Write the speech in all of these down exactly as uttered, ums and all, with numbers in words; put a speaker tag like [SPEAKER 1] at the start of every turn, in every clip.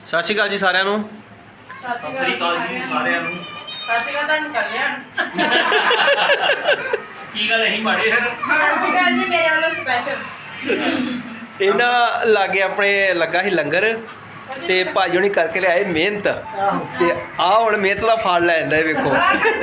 [SPEAKER 1] ਸਤਿ ਸ਼੍ਰੀ ਅਕਾਲ ਜੀ ਸਾਰਿਆਂ ਨੂੰ।
[SPEAKER 2] ਸਤਿ ਸ਼੍ਰੀ ਅਕਾਲ ਜੀ ਸਾਰਿਆਂ ਨੂੰ।
[SPEAKER 3] ਸਤਿ ਸ਼੍ਰੀ ਅਕਾਲ ਤੁਹਾਨੂੰ ਕਰ ਲਿਆ
[SPEAKER 2] ਕੀ ਗੱਲ ਅਸੀਂ ਮਾੜੇ ਫਿਰ?
[SPEAKER 3] ਸਤਿ ਸ਼੍ਰੀ ਅਕਾਲ ਜੀ ਮੇਰੇ ਵੱਲੋਂ ਸਪੈਸ਼ਲ।
[SPEAKER 1] ਇਹਨਾਂ ਲਾਗੇ ਆਪਣੇ ਲੱਗਾ ਸੀ ਲੰਗਰ ਤੇ ਭਾਜੀ ਹੁਣੀ ਕਰਕੇ ਲਿਆਏ ਮਿਹਨਤ ਤੇ ਆਹ ਹੁਣ ਮਿਹਨਤ ਦਾ ਫਲ ਲੈ ਜਾਂਦਾ ਇਹ ਵੇਖੋ।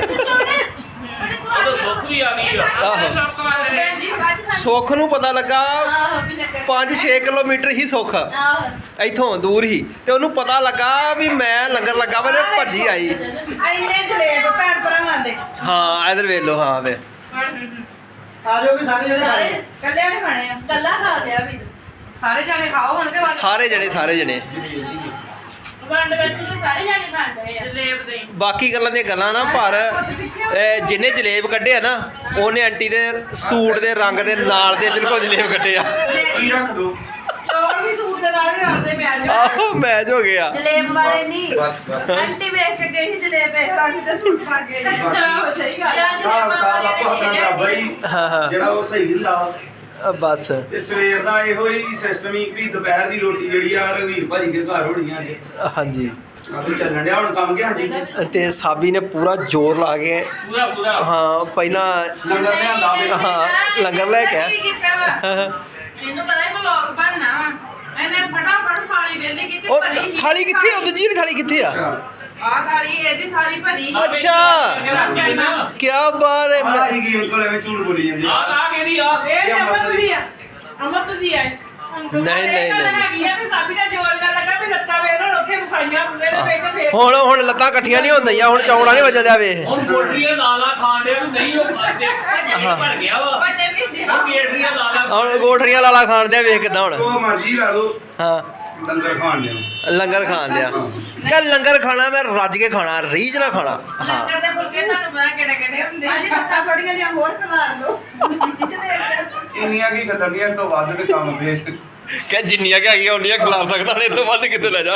[SPEAKER 2] ਉਹ ਸੁੱਖ ਵੀ ਆ ਗਈ ਆ।
[SPEAKER 1] ਆਹੋ ਸੁੱਖ ਨੂੰ ਪਤਾ ਲੱਗਾ ਪੰਜ ਛੇ ਕਿਲੋਮੀਟਰ ਹੀ ਸੁੱਖ ਇੱਥੋਂ ਦੂਰ ਹੀ ਤੇ ਉਹਨੂੰ ਪਤਾ ਲੱਗਾ ਵੀ ਮੈਂ ਲੰਗਰ ਲੱਗਾ ਵਾ ਤੇ ਭੱਜੀ ਆਈ।
[SPEAKER 3] ਇੰਨੇ ਜਲੇਬ ਭੈਣ ਭਰਾਵਾਂ ਦੇ।
[SPEAKER 1] ਹਾਂ ਇਧਰ ਵੇਖ ਲਓ। ਹਾਂ ਵੇ
[SPEAKER 4] ਆ ਜਾਓ ਵੀ ਸਾਰੇ ਜਣੇ ਖਾਣੇ
[SPEAKER 3] ਕੱਲਿਆਂ ਨੇ ਖਾਣੇ ਆ। ਕੱਲਾ ਖਾ ਲਿਆ ਵੀ ਸਾਰੇ ਜਾਣੇ ਖਾਓ ਹੁਣ ਤੇ
[SPEAKER 1] ਸਾਰੇ ਜਣੇ ਸਾਰੇ ਜਣੇ
[SPEAKER 3] ਵੰਡ ਵਿੱਚ ਸਾਰੇ ਜਾਣੇ ਖਾਂਦੇ ਆ ਜਲੇਬ ਦੇ।
[SPEAKER 1] ਬਾਕੀ ਗੱਲਾਂ ਦੀਆਂ ਗੱਲਾਂ ਨਾ ਪਰ ਇਹ ਜਿਹਨੇ ਜਲੇਬ ਕੱਢੇ ਆ ਨਾ ਉਹਨੇ ਆਂਟੀ ਦੇ ਸੂਟ ਦੇ ਰੰਗ ਦੇ ਨਾਲ ਦੇ ਬਿਲਕੁਲ ਜਲੇਬ ਕੱਢੇ ਆ।
[SPEAKER 4] ਕੀ ਰੱਖ ਦੋ
[SPEAKER 3] ਚੌਲ ਵੀ ਸੂਟ ਦੇ ਨਾਲ ਹੀ ਰੱਖਦੇ ਮੈਚ।
[SPEAKER 1] ਆਹੋ ਮੈਚ ਹੋ ਗਿਆ।
[SPEAKER 3] ਜਲੇਬ ਵਾਲੇ ਨਹੀਂ
[SPEAKER 4] ਬਸ ਬਸ
[SPEAKER 3] ਆਂਟੀ ਵੇਖ ਕੇ ਗਈ ਸੀ ਜਲੇਬ ਇਹ ਰੰਗ ਦੇ ਸੂਟ ਪਾ ਕੇ। ਆਹੋ ਸਹੀ ਗੱਲ ਆ।
[SPEAKER 4] ਹਿਸਾਬ ਕਿਤਾਬ ਆਪੋ ਆਪਣਾ ਬਰਾਬਰ ਹੀ
[SPEAKER 1] ਹਾਂ ਹਾਂ
[SPEAKER 4] ਜਿਹੜਾ ਉਹ ਸਹੀ ਹੁੰਦਾ ਵਾ।
[SPEAKER 1] ਅ ਬਸ
[SPEAKER 4] ਤੇ ਸਵੇਰ ਦਾ ਇਹੋ ਹੀ ਸਿਸਟਮ ਹੀ ਵੀ ਦੁਪਹਿਰ ਦੀ ਰੋਟੀ ਜਿਹੜੀ ਆ ਰਘਵੀਰ ਭਾਜੀ ਦੇ ਘਰ ਹੋਣੀ ਆ ਅੱਜ।
[SPEAKER 1] ਹਾਂਜੀ
[SPEAKER 4] ਆਪੇ ਚੱਲਣ ਡਿਆ ਹੁਣ ਕੰਮ ਗਿਆ ਜੀ।
[SPEAKER 1] ਤੇ ਸਾਬੀ ਨੇ ਪੂਰਾ ਜ਼ੋਰ ਲਾ ਕੇ
[SPEAKER 2] ਪੂਰਾ ਪੂਰਾ
[SPEAKER 1] ਹਾਂ ਪਹਿਲਾਂ
[SPEAKER 4] ਲੰਗਰ ਲਿਆਂਦਾ ਵੇ।
[SPEAKER 1] ਹਾਂ ਲੰਗਰ ਲੈ ਕੇ
[SPEAKER 3] ਕੀ ਕੀਤਾ ਵਾ ਮੈਨੂੰ ਪਤਾ ਹੈ ਵਲੌਗ ਬਣਨਾ ਵਾ। ਇਹਨੇ ਫਟਾਫਟ ਥਾਲੀ ਵੇਲੀ ਕੀਤੀ
[SPEAKER 1] ਉਹ
[SPEAKER 3] ਭਰੀ ਸੀ।
[SPEAKER 1] ਥਾਲੀ ਕਿੱਥੇ ਆ? ਉਹ ਦੂਜੀ ਜਿਹੜੀ ਥਾਲੀ ਕਿੱਥੇ ਆ?
[SPEAKER 3] ਆਹ ਥਾਲੀ ਇਹਦੀ ਥਾਲੀ ਭਰੀ।
[SPEAKER 1] ਅੱਛਾ ਕੀ ਬਾਤ ਹੈ।
[SPEAKER 4] ਆ ਹੀ ਗੇਮ ਕੋਲ ਐਵੇਂ ਝੂਠ ਬੋਲੀ ਜਾਂਦੀ
[SPEAKER 2] ਆ ਆ ਕਿਹਦੀ ਆ?
[SPEAKER 3] ਇਹ ਅਮਰਤ ਦੀ ਆ ਅਮਰਤ ਦੀ ਆ।
[SPEAKER 1] ਨਹੀਂ ਨਹੀਂ ਨਹੀਂ
[SPEAKER 3] ਹੈਗੀ ਆ ਵੀ ਸਾਬੀ ਦਾ ਜੋਰ ਨਾਲ ਲੱਗਾ ਵੀ ਲੱਤਾਂ ਵੇਖ ਲੋ ਉੱਥੇ ਵਸਾਈਆਂ ਪੂਰੇ ਦੇ ਵੇਖ ਫੇਰ
[SPEAKER 1] ਹੁਣ ਹੁਣ ਲੱਤਾਂ ਇਕੱਠੀਆਂ ਨਹੀਂ ਹੁੰਦੀਆਂ ਹੁਣ ਚੌੜਾ ਨਹੀਂ ਵੱਜਣ ਦਿਆ ਵੇ।
[SPEAKER 2] ਹੁਣ ਗੋਟਰੀਆਂ ਲਾਲਾ ਖਾਣ ਦੇ ਨਹੀਂ ਉਹ ਖਾਂਦੇ ਭਰ ਗਿਆ ਵਾ।
[SPEAKER 3] ਵਜਨ ਨਹੀਂ ਦੇ।
[SPEAKER 2] ਉਹ ਗੇਟਰੀਆਂ ਲਾਲਾ
[SPEAKER 1] ਹੁਣ ਗੋਠੜੀਆਂ ਲਾਲਾ ਖਾਣ ਦਿਆ ਵੇਖ ਕਿੱਦਾਂ ਹੁਣ।
[SPEAKER 4] ਉਹ ਮਰਜ਼ੀ ਲਾ ਲਓ
[SPEAKER 1] ਹਾਂ
[SPEAKER 4] ਲੰਗਰ ਖਾਣ ਦਿਓ।
[SPEAKER 1] ਲੰਗਰ ਖਾਣ ਦਿਆ ਕਹ ਲੰਗਰ ਖਾਣਾ ਮੈਂ ਰੱਜ ਕੇ ਖਾਣਾ ਰੀਝ ਨਾ ਖਾਣਾ। ਹਾਂ
[SPEAKER 3] ਲੰਗਰ ਦੇ ਫੁਲਕੇ ਤੁਹਾਨੂੰ ਪਤਾ ਕਿਹੜੇ ਕਿਹੜੇ ਹੁੰਦੇ ਆ। ਲੱਤਾਂ ਥੋੜੀਆਂ ਜਿਹਾ ਹੋਰ ਖਿਲਾ ਲਓ।
[SPEAKER 4] ਇੰਨੀਆਂ ਕੀ ਖਤਰਨੀਆਂ ਤੋਂ ਵੱਧ ਦੇ ਕੰਮ ਵੇ।
[SPEAKER 1] ਕਹ ਜਿੰਨੀਆਂ ਕਿ ਹੈਗੀਆਂ ਉਨੀਆਂ ਖਿਲਾ ਸਕਦਾ ਨੇ ਇਹ ਤੋਂ ਵੱਧ ਕਿਤੇ ਲੈ ਜਾ।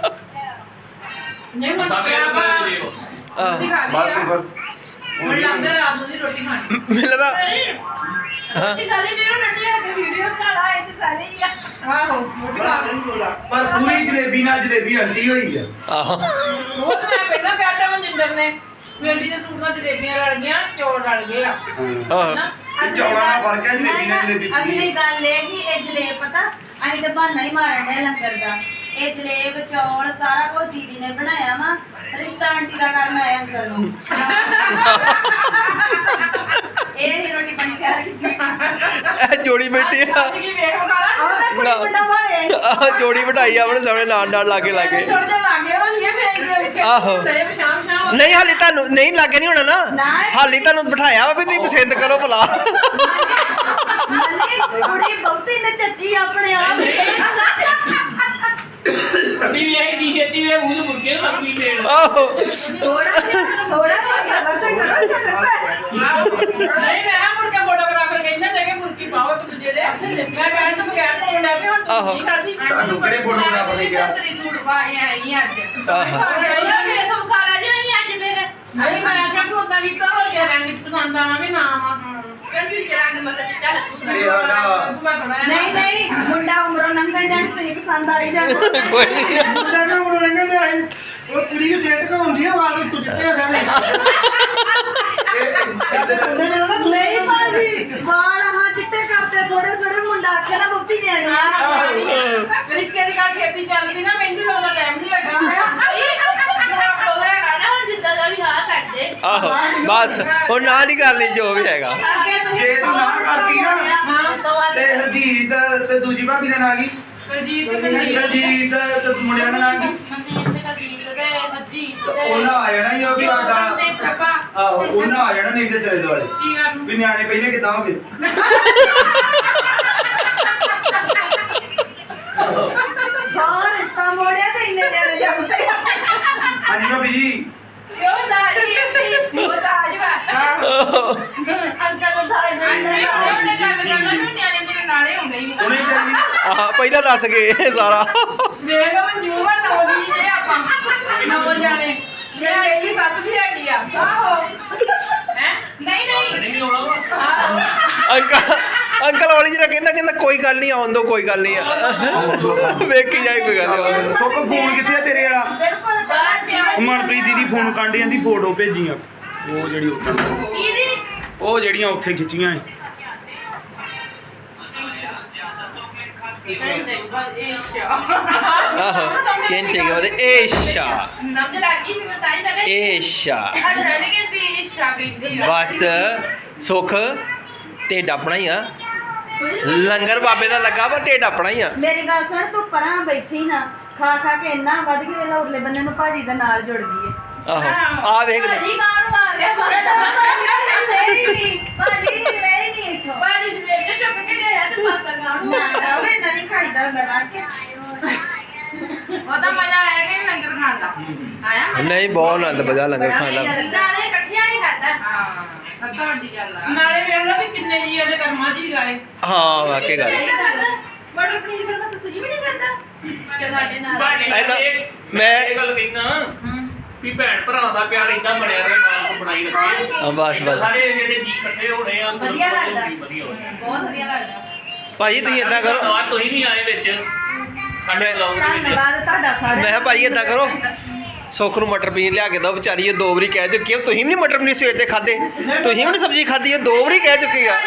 [SPEAKER 3] ਨਹੀਂ ਹੁਣ
[SPEAKER 2] ਸਾਡੇ
[SPEAKER 3] ਕਿਆ ਵਾ
[SPEAKER 2] ਨੂੰ ਦੇ ਦਿਓ।
[SPEAKER 3] ਰੋਟੀ ਖਾ ਲਈ
[SPEAKER 4] ਬਸ
[SPEAKER 3] ਆ।
[SPEAKER 4] ਫਿਰ
[SPEAKER 3] ਹੁਣ ਲੰਗਰ ਰਾਤ ਨੂੰ ਦੀ ਰੋਟੀ ਖਾਣੀ।
[SPEAKER 1] ਮਿਲਦਾ
[SPEAKER 3] ਰੋਟੀ ਖਾ ਲਈ ਵੀਰੋ ਰੋਟੀ ਆ ਕੇ ਵੀਡੀਓ ਬਣਾ ਐ ਸਾਰੇ ਹੀ ਆ। ਆਹੋ ਰੋਟੀ ਖਾ ਲਈ।
[SPEAKER 4] ਪਰ ਪੂਰੀ ਜਲੇਬੀ ਨਾਲ ਜਲੇਬੀ ਅੰਡੀ ਹੋਈ ਆ।
[SPEAKER 1] ਆਹੋ
[SPEAKER 3] ਉਹ ਤਾਂ ਮੈਂ ਪਹਿਲਾਂ ਕਹਿਤਾ ਮਨਜਿੰਦਰ ਨੇ ਵੇਂਡੀ ਦੇ ਸੂਟ ਨਾਲ ਜਲੇਬੀਆਂ ਰਲ ਗਈਆਂ ਚੌਲ ਰਲ ਗਏ ਆ।
[SPEAKER 1] ਆਹੋ
[SPEAKER 4] ਇਹ ਚੌਲਾਂ ਦਾ ਫਰਕ ਹੈ ਜਲੇਬੀ ਨਾਲ ਜਲੇਬੀ।
[SPEAKER 5] ਅਸਲੀ ਗੱਲ ਇਹ ਕਿ ਇਹ ਜਲੇਬ ਪਤਾ ਅਸੀਂ ਤਾਂ ਬਹਾਨਾ ਹੀ ਮਾਰਨ ਡਿਆ ਲੰਗਰ ਦਾ। ਇਹ ਜਲੇਬ ਚੌਲ ਸਾਰਾ ਕੁਝ ਦੀਦੀ ਨੇ ਬਣਾਇਆ ਵਾ। ਰਿਸ਼ਤਾ ਆਂਟੀ ਦਾ ਕਰਨ ਆਇਆ ਅੰਕਲ ਨੂੰ। ਇਹ ਹੀ ਰੋਟੀ ਪਾਣੀ ਤਿਆਰ ਕੀਤੀ।
[SPEAKER 1] ਇਹ ਜੋੜੀ ਬੈਠੀ ਆ
[SPEAKER 3] ਕੀ ਵੇਖ ਖਾਲਾ
[SPEAKER 5] ਉਹ ਮੈਂ ਕੁੜੀ ਮੁੰਡਾ ਬਣਾਇਆ
[SPEAKER 1] ਆਹ ਜੋੜੀ ਬਿਠਾਈ ਆ ਆਪਣੇ ਸਾਹਮਣੇ ਨਾਲ ਨਾਲ ਲਾਗੇ ਲਾਗੇ।
[SPEAKER 3] ਥੋੜਾ ਜਿਹਾ ਲਾਗੇ ਹੋਣਗੇ ਫੇਰ ਇੱਥੇ
[SPEAKER 1] ਆਹੋ।
[SPEAKER 3] ਤੇ ਸ਼ਾਮ ਸ਼ਾਮ
[SPEAKER 1] ਨਹੀਂ ਹਾਲੇ ਤੁਹਾਨੂੰ ਨਹੀਂ ਲੱਗੇ ਨਹੀਂ ਹੋਣਾ ਨਾ
[SPEAKER 5] ਨਾ।
[SPEAKER 1] ਹਾਲੇ ਤੁਹਾਨੂੰ ਬਿਠਾਇਆ ਵਾ ਵੀ ਤੁਸੀਂ ਪਸੰਦ ਕਰੋ ਭਲਾ।
[SPEAKER 5] ਮੰਨੇ ਕੁੜੀ ਬਹੁਤੀ ਨੇ ਚੱਕੀ ਆਪਣੇ ਆਪ।
[SPEAKER 2] ਨਹੀਂ ਇਹ ਨਹੀਂ ਖੇਤੀ ਵੇ ਮੂੰਹ ਮੁਰਕੇ ਨੂੰ ਲੱਗੀ ਦੇਣ।
[SPEAKER 1] ਆਹੋ
[SPEAKER 5] ਥੋੜਾ ਜਿਹਾ ਥੋੜਾ ਜਿਹਾ ਸਬਰ ਤੇ ਕਰੋ ਚੱਕਰ।
[SPEAKER 3] ਨਹੀਂ ਮੈਂ ਮੁੜ ਕੇ ਫੋਟੋਗ੍ਰਾਫਰ ਕਹਿੰਦਾ ਤੇ ਕਿ ਮੁਰਕੀ ਪਾਓ ਇੱਕ ਦੂਜੇ ਦੇ। ਮੈਂ ਕਹਿਣ ਤੋਂ ਬਗੈਰ ਪਾਉਣ ਲੱਗ ਪਈ ਹੁਣ
[SPEAKER 1] ਆਹੋ।
[SPEAKER 3] ਤੂੰ ਕੀ ਕਰਦੀ।
[SPEAKER 4] ਤੁਹਾਨੂੰ ਕਿਹੜੇ ਫੋਟੋਗ੍ਰਾਫਰ ਨੇ ਕਿਹਾ?
[SPEAKER 3] ਸੰਤਰੀ ਸੂਟ ਪਾ ਕੇ ਆਈ ਅੱਜ।
[SPEAKER 1] ਆਹਾ।
[SPEAKER 3] ਨਹੀਂ ਮੈਂ ਆਖਿਆ ਕਿ ਉਦਾਂ ਵੀ ਭਰਾ ਕੇ ਰੰਗ ਚ ਪਸੰਦ ਆਵਾਂਗੇ ਨਾ ਆਵਾਂ। ਸੰਤਰੀ ਕੇ ਰੰਗ ਮਸਾ ਚਿੱਟਾ ਲੱਗੂਗਾ।
[SPEAKER 5] ਨਹੀਂ ਨਹੀਂ ਮੁੰਡਾ ਉਮਰੋਂ ਲੰਘਣ ਡਿਆ ਤੁਸੀਂ ਪਸੰਦ ਆ ਹੀ ਜਾਣਾ।
[SPEAKER 1] ਕੋਈ ਨਹੀਂ
[SPEAKER 4] ਮੁੰਡਾ ਨਾ ਉਹ ਲੰਘਣ ਦੇ ਆਈ ਉਹ ਕੁੜੀ ਨੂੰ ਸੈੱਟ ਕੋ ਹੁੰਦੀ ਆ ਵਾਲ ਉੱਤੋਂ ਚਿੱਟੇ ਆ ਸਾਰੇ।
[SPEAKER 5] ਨਹੀਂ ਭਾਜੀ ਵਾਲ ਹਾਂ ਚਿੱਟੇ ਕਰਤੇ ਥੋੜੇ ਥੋੜੇ ਮੁੰਡਾ ਆਖਿਆ ਨਾ ਮੁਕਤੀ ਦੇਣੀ ਆ।
[SPEAKER 3] ਰਿਸ਼ਤੇ ਦੀ ਗੱਲ ਛੇਤੀ ਚੱਲ ਪਈ ਨਾ ਮਹਿੰਦੀ ਲਾਉਣ ਦਾ ਟਾਈਮ ਨਹੀਂ ਲੱਗਾ ਹੋਇਆ।
[SPEAKER 1] ਆਹੋ ਬਸ ਹੁਣ ਨਾ ਨਹੀਂ ਕਰਨੀ ਜੋ ਵੀ ਹੈਗਾ।
[SPEAKER 5] ਅੱਗੇ ਤੁਸੀਂ
[SPEAKER 4] ਜੇ ਤੂੰ ਨਾ ਕਰਦੀ ਨਾ
[SPEAKER 3] ਹਾਂ
[SPEAKER 4] ਤੇ ਹਰਜੀਤ ਤੇ ਦੂਜੀ ਭਾਬੀ ਦਾ ਨਾਂ ਕੀ?
[SPEAKER 3] ਕੁਲਜੀਤ ਤੇ ਮਨਜੀਤ
[SPEAKER 4] ਹਰਜੀਤ ਤੇ ਮੁੰਡਿਆਂ ਦਾ ਨਾਂ ਕੀ?
[SPEAKER 3] ਮਨਦੀਪ ਤੇ ਕੁਲਜੀਤ ਤੇ ਹਰਜੀਤ ਤੇ
[SPEAKER 4] ਉਹਨਾਂ ਆ ਜਾਣਾ ਹੀ ਉਹ ਵੀ ਸਾਡਾ।
[SPEAKER 3] ਤੇ ਪ੍ਰਭਾ
[SPEAKER 4] ਆਹੋ ਉਹਨਾਂ ਆ ਜਾਣਾ ਨਹੀਂ ਤੇ ਤੇਰੇ ਦੁਆਲੇ
[SPEAKER 3] ਕੀ ਕਰਨ
[SPEAKER 4] ਵੀ ਨਿਆਣੇ ਪਹਿਲੇ ਕਿੱਦਾਂ ਹੋ ਗਏ।
[SPEAKER 5] ਸਾਰਾ ਰਿਸ਼ਤਾ ਮੋੜਿਆ ਤੇ ਇੰਨੇ ਦੇਣੇ ਜਾਂਦੇ।
[SPEAKER 4] ਹਾਂਜੀ ਭਾਬੀ ਜੀ।
[SPEAKER 5] ਕਿਉਂ ਦਾੜੀ ਉਹ ਦਾੜੀ ਵਾ ਅੰਕਲ ਨੂੰ ਦਾੜੀ
[SPEAKER 3] ਨਹੀਂ
[SPEAKER 5] ਦੇਣਾ।
[SPEAKER 3] ਉਹਨੇ ਗੱਲ ਕਰਨਾ ਵੀ ਨਿਆਣੇ ਮੇਰੇ ਨਾਲੇ ਹੁੰਦੇ ਹੀ
[SPEAKER 4] ਉਹਨੇ ਚਾਹੀਦੀ
[SPEAKER 1] ਆਹ ਪਹਿਲਾਂ ਦੱਸ ਗਏ ਸਾਰਾ।
[SPEAKER 3] ਵੇਖ ਮਨਜੂਰ ਆ ਨੌ ਜੀ ਜੇ ਆਪਾਂ ਨੌ ਜਾਣੇ ਮੇਰੇ ਮੇਰੀ ਸੱਸ ਵੀ ਹੈਗੀ ਆ। ਆਹੋ ਹੈ ਨਹੀਂ ਨਹੀਂ
[SPEAKER 2] ਨਹੀਂ ਆਉਣਾ ਵਾ।
[SPEAKER 1] ਅੰਕਲ ਅੰਕਲ ਹੌਲੀ ਜਿਹੀ ਕਹਿੰਦਾ ਕਹਿੰਦਾ ਕੋਈ ਗੱਲ ਨਹੀਂ ਆਉਣ ਦੋ ਕੋਈ ਗੱਲ ਨਹੀਂ ਆ ਵੇਖੀ ਜਾਏ ਕੋਈ ਗੱਲ ਨਹੀਂ
[SPEAKER 4] ਸੁੱਖ ਫੋਨ ਕਿੱਥੇ ਆ ਤੇਰੇ ਵਾਲਾ
[SPEAKER 5] ਬਿਲਕੁਲ ਬਾਹਰ ਪਿਆ
[SPEAKER 4] ਉਹ ਮਨਪ੍ਰੀਤ ਦੀਦੀ ਫੋਨ ਕਾਂਡੇ ਜਾਂਦੀ ਫੋਟੋ ਭੇਜੀਆਂ ਉਹ ਜਿਹੜੀ ਉੱਥੇ ਉਹ ਜਿਹੜੀਆਂ ਉੱਥੇ ਖਿੱਚੀਆਂ ਸੀ
[SPEAKER 3] ਘੰਟੇ ਬਾਅਦ ਏਸ਼ਾ
[SPEAKER 1] ਆਹੋ ਘੰਟੇ ਕੇ ਬਾਅਦ ਏਸ਼ਾ
[SPEAKER 3] ਸਮਝ ਲੱਗ ਗਈ ਮੈਨੂੰ ਤਾਂ ਹੀ ਲੱਗਾ
[SPEAKER 1] ਏਸ਼ਾ
[SPEAKER 3] ਅੱਛਾ ਨਹੀਂ ਕਹਿੰਦੀ ਏਸ਼ਾ ਕਹਿੰਦੀ ਆ
[SPEAKER 1] ਬਸ ਸੁੱਖ ਢਿੱਡ ਆਪਣਾ ਹੀ ਆ ਲੰਗਰ ਬਾਬੇ ਦਾ ਲੱਗਾ ਵਾ ਢਿੱਡ ਆਪਣਾ ਹੀ ਆ
[SPEAKER 5] ਮੇਰੀ ਗੱਲ ਸੁਣ ਤੂੰ ਪਰਾਂ ਬੈਠੀ ਨਾ ਖਾ ਖਾ ਕੇ ਇੰਨਾ ਵੱਧ ਕੇ ਵੇਲਾ ਉਰਲੇ ਬੰਨੇ ਨੂੰ ਭਾਜੀ ਦਾ ਨਾਲ ਜੁੜ ਗਈ ਏ
[SPEAKER 1] ਆਹੋ ਆ ਵੇਖ ਲੈ
[SPEAKER 3] ਭਾਜੀ ਕਾਹਨੂੰ ਆ ਗਿਆ ਬਸ
[SPEAKER 5] ਭਾਜੀ ਲੈ ਹੀ ਨਹੀਂ ਭਾਜੀ ਲੈ ਹੀ ਨਹੀਂ ਇੱਥੋਂ
[SPEAKER 3] ਭਾਜੀ ਜਵੇਬ ਜੇ ਚੁੱਕ ਕੇ ਲਿਆਇਆ ਤੇ ਪਾਸਾ ਕਾਹਨੂੰ ਆ ਗਿਆ
[SPEAKER 5] ਉਹ ਇੰਨਾ ਨਹੀਂ ਖਾਈਦਾ ਹੁੰਦਾ ਬਸ
[SPEAKER 3] ਉਹਦਾ ਮਜ਼ਾ ਆਇਆ ਕਿ ਲੰਗਰ ਖਾਣ ਦਾ ਆਇਆ ਮਜ਼ਾ?
[SPEAKER 1] ਨਹੀਂ ਬਹੁਤ ਆਨੰਦ ਬਜਾ ਲੰਗਰ ਖਾਣ ਦਾ
[SPEAKER 3] ਨਾਲੇ ਇਕੱਠਿਆਂ ਨਹੀਂ ਖਾਦਾ ਹਾਂ ਅੱਧਾ ਵੱਡੀ ਗੱਲ ਆ ਨਾਲੇ ਵੇਖ ਲਓ ਵੀ ਕਿੰਨੇ ਜੀ ਉਹਦੇ ਕਰਮਾਂ 'ਚ ਵੀ ਗਾਏ
[SPEAKER 1] ਹਾਂ ਵਾਕਈ ਗੱਲ
[SPEAKER 3] ਮਟਰ ਪਨੀਰ ਕਰਨਾ ਤਾਂ ਤੁਸੀਂ ਵੀ ਨਹੀਂ ਕਰਦਾ ਕਿ ਸਾਡੇ ਨਾਲ
[SPEAKER 1] ਇਹ ਤਾਂ
[SPEAKER 2] ਮੈਂ
[SPEAKER 1] ਮੈਂ
[SPEAKER 2] ਇਹ ਗੱਲ ਕਹਿਣਾ ਵੀ ਭੈਣ ਭਰਾ ਦਾ ਪਿਆਰ ਇਦਾਂ ਬਣਿਆ ਰਹੇ ਮਾਂ ਕੋ ਬਣਾਈ ਰੱਖੇ
[SPEAKER 1] ਹਾਂ, ਬਸ ਬਸ
[SPEAKER 2] ਸਾਰੇ ਜਿਹੜੇ ਜੀ ਇਕੱਠੇ ਹੋਣੇ ਆ
[SPEAKER 5] ਵਧੀਆ ਲੱਗਦਾ
[SPEAKER 2] ਵਧੀਆ ਹੋਇਆ
[SPEAKER 5] ਬਹੁਤ ਵਧੀਆ ਲੱਗਦਾ
[SPEAKER 1] ਭਾਜੀ ਤੁਸੀਂ ਏਦਾਂ ਕਰੋ
[SPEAKER 2] ਆ ਤੁਸੀਂ ਨਹੀਂ ਆਏ ਵਿੱਚ ਸਾਡੇ
[SPEAKER 1] ਮੈਂ-
[SPEAKER 2] ਬਲੌਗ ਦੇ ਵਿੱਚ
[SPEAKER 5] ਧੰਨਵਾਦ ਤੁਹਾਡਾ ਸਾਰਿਆਂ
[SPEAKER 1] ਮੈਂ ਕਿਹਾ ਭਾਜੀ ਏਦਾਂ ਕਰੋ ਸੁੱਖ ਨੂੰ ਮਟਰ ਪਨੀਰ ਲਿਆ ਕੇ ਦੋ ਵਿਚਾਰੀ ਇਹ ਦੋ ਵਾਰੀ ਕਹਿ ਚੁੱਕੀ ਆ ਤੁਸੀਂ ਵੀ ਨਹੀਂ ਮਟਰ ਪਨੀਰ ਸਵੇਰ ਦੇ ਖਾਦੇ ਤੁਸੀਂ ਵੀ ਨਹੀਂ ਸਬਜ਼ੀ ਖਾਦੀ ਇਹ ਦੋ ਵਾਰੀ ਕਹਿ ਚੁੱਕੀ ਆ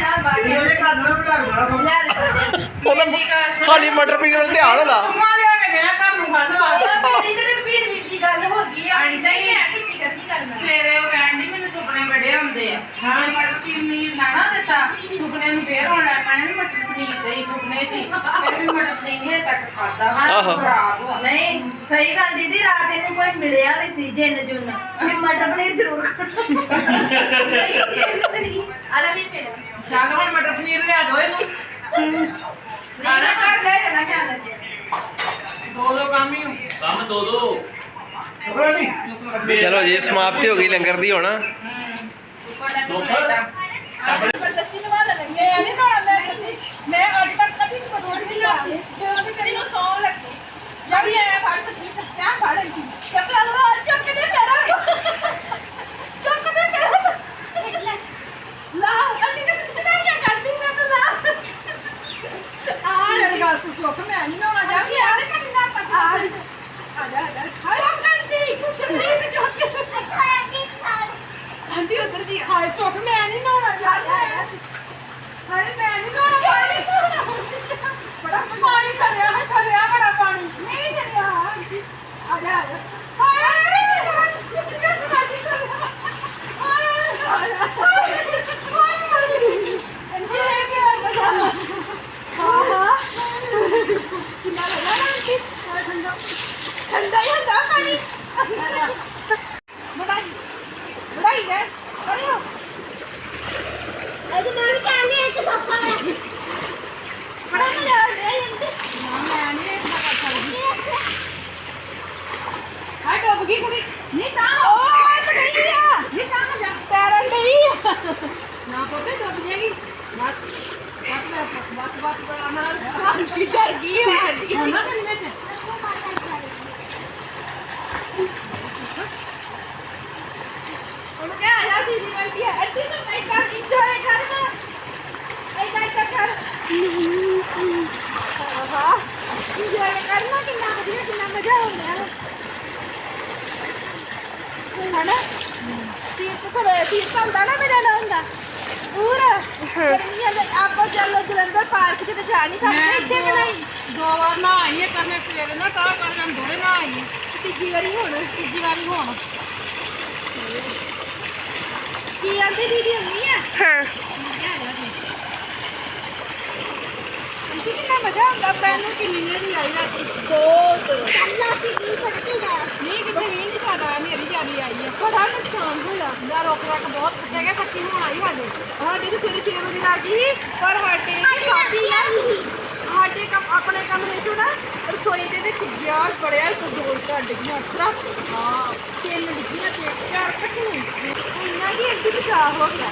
[SPEAKER 1] ਉਹਦਾ ਹਾਲੀ ਮਟਰ ਪਨੀਰ ਵੱਲ ਧਿਆਨ ਹੋਣਾ
[SPEAKER 3] ਮਾਂ ਲਿਆ ਕੇ ਦੇਣਾ ਘਰ ਨੂੰ ਖਾਣ ਵਾਸਤੇ ਸਵੇਰੇ ਉਹ ਕਹਿੰਦੀ ਮੈਨੂੰ ਸੁਪਨੇ ਬੜੇ ਆਉਂਦੇ ਆ ਮੈਂ ਮਟਰ ਪਨੀਰ ਨਾ ਨਾ ਦਿੱਤਾ ਸੁਪਨੇ ਨੂੰ ਫੇਰ ਆਉਣ ਲੱਗ ਪੈਣੇ ਮਟਰ ਪਨੀਰ ਦੇ ਹੀ ਸੁਪਨੇ ਸੀ ਫਿਰ ਵੀ ਮਟਰ ਪਨੀਰ ਨੇ ਤੱਕ ਖਾਦਾ
[SPEAKER 1] ਆਹੋ।
[SPEAKER 3] ਖਰਾਬ ਹੋ
[SPEAKER 5] ਨਹੀਂ ਸਹੀ ਗੱਲ ਦੀਦੀ ਰਾਤ ਇਹਨੂੰ ਕੋਈ ਮਿਲਿਆ ਵੀ ਸੀ ਜਿੰਨ ਜੁਨ ਵੀ ਮਟਰ ਪਨੀਰ ਜ਼ਰੂਰ
[SPEAKER 3] ਆਲਾ ਵੀ ਪੇ ਚੱਲ ਹੁਣ ਮਟਰ ਪਨੀਰ ਲਿਆ ਦੋ ਇਹਨੂੰ ਆਣਾ ਕਰ ਲੈ ਨਾ ਕਿਆ ਦੋ ਦੋ ਕੰਮ ਹੀ ਹੋ
[SPEAKER 2] ਕੰਮ ਦੋ ਦੋ
[SPEAKER 1] ਚਲੋ ਜੀ ਸਮਾਪਤੀ ਹੋ ਗਈ ਲੰਗਰ ਦੀ ਹੁਣ
[SPEAKER 3] ਜ਼ਬਰਦਸਤੀ ਨਿਭਾ ਲੈਣੀ ਮੈਂ ਨਹੀਂ ਨਾ ਮੈਂ ਸੱਚੀ ਮੈਂ ਅੱਜ ਤੱਕ ਕਦੀ ਨਹੀਂ ਬਦੋੜ ਨਹੀਂ ਲਾਤੀ ਫਿਰ ਉਹਦੀ ਕਦੀ ਨੂੰ ਸੌ ਲੱਗੀ ਜਦ ਵੀ ਆਇਆ ਫੜ ਸੱਚੀ ਕਿਆ ਫੜ ਰਹੀ ਚੱਪਲਾਂ ਲਵਾ ਚੁੱਕ ਕੇ ਪੈਰਾਂ ਚੁੱਕ ਕੇ ਪੈਰਾਂ ਲਾ ਅੰਨੀ ਤੇ ਕਿੱਥੇ ਜਾ ਕਰਦੀ ਮੈਂ ਤਾਂ ਲਾ ਆ ਮੇਰੀ ਗੱਲ ਸੁੱਖ ਮੈਂ ਨਹੀਂ ਨਾ ਜਾ ਵੀ ਆ ਨਹੀਂ ਨਾ ਪਤਾ ਆ ਜਾ ਆ ਜਾ ਹਾਏ ਕਰਦੀ ਸੁਣੀ ਤੇ ਚੁੱਕ ਕੇ ਆਂਟੀ ਉਧਰ ਦੀ ਹਾਏ ਸੁੱਖ ਮੈਂ ਨਹੀਂ ਨਹਾਉਣਾ ਯਾਰ ਹਾਏ ਮੈਂ ਨਹੀਂ ਨਹਾਉਣਾ ਪਾਣੀ ਬੜਾ ਪਾਣੀ ਖੜਿਆ ਹੈ ਖੜਿਆ ਬੜਾ ਪਾਣੀ ਨਹੀਂ ਖੜਿਆ ਆਂਟੀ ਆ ਜਾ ਆ ਜਾ ਹਾਏ ਠੰਡਾ ਹੀ ਹੁੰਦਾ ਪਾਣੀ ਬੜਾਈ ਬੜਾਈ ਹੈ ਅਰੇ ਹੋ ਬੜਾ ਮਜ਼ਾ ਆ ਰਿਹਾ ਇਹਦੇ ਮੈਂ ਨਹੀਂ ਇਹ ਕਰ ਸਕਦੀ ਹਾਏ ਡੁੱਬ ਗਈ ਕੁੜੀ ਨਹੀਂ ਤਾਂ ਓਏ ਪੜਾਈ ਆ ਨਹੀਂ ਤਾਂ ਜਾ ਤੈਰਨ ਨਹੀਂ ਨਾ ਪੋਤੇ ਡੁੱਬ ਜਾਏਗੀ ਬਸ ਬਸ ਬਸ ਬਸ ਬਸ ਅਮਰ ਕੀ ਡਰ ਗਈ ਵਾਲੀ ਹੁਣ ਨਾ ਕੰਨੇ ਚ ਉਹ ਕਿਹਾ ਆ ਜੀ ਦੀ ਬੈਠੀ ਹੈ ਅੱਡੀ ਤੋਂ ਮੈਂ ਕਰ ਇੰਜੋਏ ਕਰਨਾ ऐसा ऐसा कर हाँ इंजॉय करना कितना बढ़िया कितना मजा होगा है ना तीर्थ सब तीर्थ होता ना मेरा नाम होता पूरा गर्मियां में आप चलो जलंधर पार्क से तो जा नहीं सकते इतने में नहीं
[SPEAKER 6] दो बार ना आई है करने सवेरे ना ਤਾਂ ਕਰ हम दोरे ना आई
[SPEAKER 3] तीजी बारी होना
[SPEAKER 6] ਤੀਜੀ ਵਾਰੀ ਹੁਣ
[SPEAKER 3] की आंटी दीदी होनी है हाँ कितना मजा आता पैनों की नींद नहीं आई राती बहुत
[SPEAKER 6] ਨਹੀਂ ਕਿਤੇ ਵੀ ਨਹੀਂ ਸਾਡਾ ਮੇਰੀ ਜਾਰੀ ਆਈ ਹੈ
[SPEAKER 3] बड़ा नुकसान होया
[SPEAKER 6] ਦਾ ਰੋਕ ਰੱਖ ਬਹੁਤ ਜਗ੍ਹਾ ਪੱਕੀ ਹੋਣ ਆਈ ਸਾਡੇ
[SPEAKER 3] ਸਾਡੇ ਤੇ ਸਵੇਰੇ ਛੇ ਵਜੇ ਲੱਗ ਗਈ ਪਰ ਸਾਡੇ ਸਾਡੀ ਆ ਸਾਡੇ ਕੰਮ ਆਪਣੇ ਕਮਰੇ ਚੋਂ ਨਾ ਰਸੋਈ ਦੇ ਵਿੱਚ ਗੈਸ ਬੜਿਆ ਇੱਕ ਦੋ ਘਰ ਡਿੱਗੀਆਂ ਅਕਸਰਾ ਹਾਂ ਤਿੰਨ ਡਿੱਗੀਆਂ ਤੇ ਚਾਰ ਇਕੱਠੇ ਇੰਨਾ ਕੀ ਅੱਡੀ ਬਚਾ ਹੋ ਗਿਆ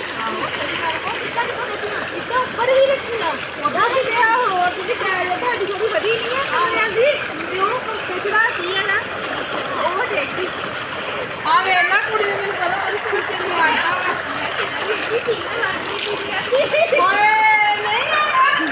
[SPEAKER 3] ਇੱਦਾਂ ਉੱਪਰ ਹੀ ਰੱਖੀਆਂ ਉਹਦਾ ਕੀ ਗਿਆ ਹੋਰ ਤੁਸੀਂ ਕਹਿ ਰਹੇ ਤੁਹਾਡੀ ਥੋੜੀ ਵਧੀ ਨਹੀਂ ਹੈ ਕਮਰਿਆਂ ਦੀ ਤੇ ਉਹ ਕੰਪੇ ਚੜਾਤੀ ਹੈ ਨਾ ਉਹ ਡੇਗੀ
[SPEAKER 6] ਆ ਵੇ ਨਾ ਕੁੜੀ ਨੇ ਮੈਨੂੰ ਪਤਾ ਉਹਦੀ ਕੁੜੀ ਤੇ ਨਹੀਂ ਆਇਆ
[SPEAKER 3] ਓਏ ਨਹੀਂ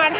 [SPEAKER 3] ਮਾਰ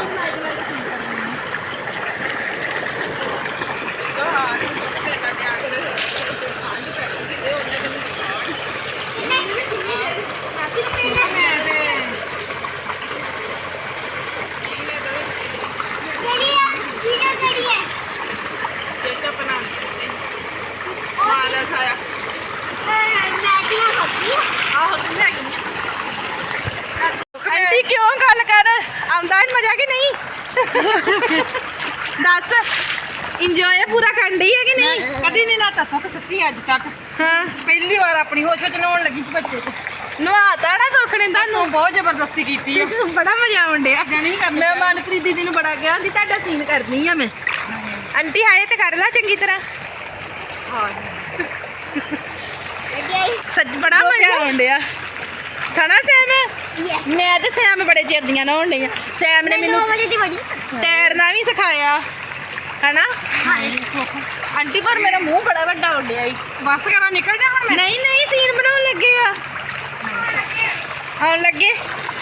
[SPEAKER 3] ਆਂਟੀ ਕਿਉਂ ਗੱਲ ਕਰ ਆਉਂਦਾ ਨੀ ਮਜ਼ਾ ਕਿ ਨਹੀਂ ਦੱਸ ਇੰਜੋਏ ਪੂਰਾ ਕਰਨ ਡਈ ਹੈ ਕਿ ਨਹੀਂ
[SPEAKER 6] ਕਦੀ ਨਹੀਂ ਨਾ ਸੁੱਖ ਸੱਚੀ ਅੱਜ ਤੱਕ
[SPEAKER 3] ਹਾਂ
[SPEAKER 6] ਪਹਿਲੀ ਵਾਰ ਆਪਣੀ ਹੋਸ਼ ਵਿੱਚ ਨਹਾਉਣ ਲੱਗੀ ਸੀ ਬੱਚੇ ਤੇ
[SPEAKER 3] ਨਵਾਤਾ ਨਾ ਸੁੱਖ ਨੇ ਤੁਹਾਨੂੰ
[SPEAKER 6] ਤੂੰ ਬਹੁਤ ਜ਼ਬਰਦਸਤੀ ਕੀਤੀ ਆ
[SPEAKER 3] ਬੜਾ ਮਜ਼ਾ ਆਉਣ ਡਿਆ
[SPEAKER 6] ਨਹੀਂ ਕਰਨੀ
[SPEAKER 3] ਮੈਂ ਮਨਪ੍ਰੀਤ ਦੀਦੀ ਨੂੰ ਬੜਾ ਕਿਹਾ ਸੀ ਤੁਹਾਡਾ ਸੀਨ ਕਰਨੀ ਆ ਮੈਂ ਆਂਟੀ ਹਾਏ ਤੇ ਕਰ ਲੈ ਚੰਗੀ ਤਰ੍ਹਾਂ ਸੱਚ ਬੜਾ ਮਜ਼ਾ ਆਉਣ ਡਿਆ ਸਣਾ ਸੈਮ ਮੈਂ ਤੇ ਸੈਮ ਬੜੇ ਚਿਰ ਦੀਆਂ ਨਹਾਉਣ ਡਈ ਆ ਸੈਮ ਨੇ ਮੈਨੂੰ ਤੈਰਨਾ ਵੀ ਸਿਖਾਇਆ ਹਨਾ ਆਂਟੀ ਪਰ ਮੇਰਾ ਮੂੰਹ ਬੜਾ ਵੱਡਾ ਹੋ ਗਿਆ ਈ
[SPEAKER 6] ਬਸ ਕਰਾਂ ਨਿਕਲ ਜਾ ਹੁਣ ਮੈਂ
[SPEAKER 3] ਨਹੀਂ ਨਹੀਂ ਸੀਨ ਬਣਾਉਣ ਲੱਗੇ ਆ ਆਉਣ ਲੱਗੇ